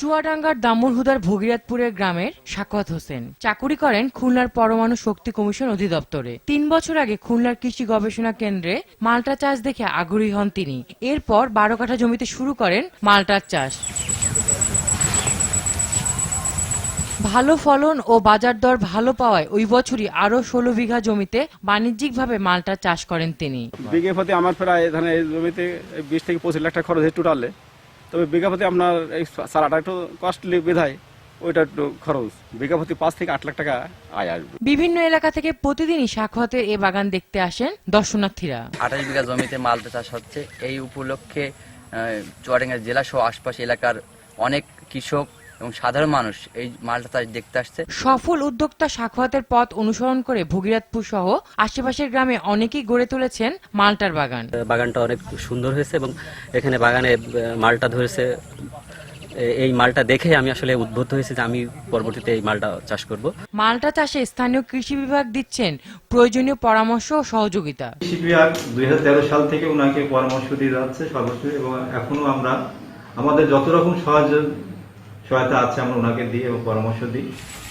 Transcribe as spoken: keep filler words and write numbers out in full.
চুয়াডাঙ্গার দামুড়হুদার ভগীরথপুরের গ্রামের সাখাওয়াত হোসেন চাকুরি করেন খুলনার পরমাণু শক্তি কমিশন অধিদপ্তরে। তিন বছর আগে খুলনার কৃষি গবেষণা কেন্দ্রে মাল্টা চাষ দেখে আগ্রহী হন তিনি। এরপর বারো কাঠা জমিতে শুরু করেন মাল্টার চাষ। ভালো ফলন ও বাজার দর ভালো পাওয়ায় ওই বছরই আরো ষোলো বিঘা জমিতে বাণিজ্যিকভাবে মাল্টা চাষ করেন তিনি। বিঘে প্রতি আমার প্রায় এখানে এই জমিতে বিশ থেকে পঁচিশ লাখ টাকা খরচ হয় টোটালে। তবে বিঘা প্রতি আপনার এই সারাটা একটু কস্টলি বিধায় ওইটা একটু খরচ, বিঘা প্রতি পাঁচ থেকে আট লাখ টাকা আয় আসবে। বিভিন্ন এলাকা থেকে প্রতিদিনই সাখাওয়াতের এ বাগান দেখতে আসেন দর্শনার্থীরা। আঠাশ বিঘা জমিতে মাল্টা চাষ হচ্ছে। এই উপলক্ষে চুয়াডাঙ্গা জেলা সহ আশপাশ এলাকার অনেক কৃষক এবং সাধারণ মানুষ এই মাল্টা চাষ দেখতে আসছে। সফল উদ্যোক্তা সাখাওয়াতের পথ অনুসরণ করে ভগীরথপুর সহ আশেপাশের গ্রামে অনেকেই গড়ে তুলেছেন মাল্টার বাগান। বাগানটা অনেক সুন্দর হয়েছে এবং এখানে বাগানে মাল্টা ধরেছে। এই মালটা দেখে আমি আসলে উদ্বুদ্ধ হয়েছি যে আমি পরবর্তীতে এই মালটা চাষ করব। মাল্টা চাষে স্থানীয় কৃষি বিভাগ দিচ্ছেন প্রয়োজনীয় পরামর্শ ও সহযোগিতা। কৃষি বিভাগ দুই হাজার তেরো সাল থেকে ওনাকে পরামর্শ দিয়ে যাচ্ছে সর্বোচ্চ, এবং এখনো আমরা আমাদের যত রকম সহজ সহায়তা আছে আমরা ওনাকে দিই এবং পরামর্শ দিই।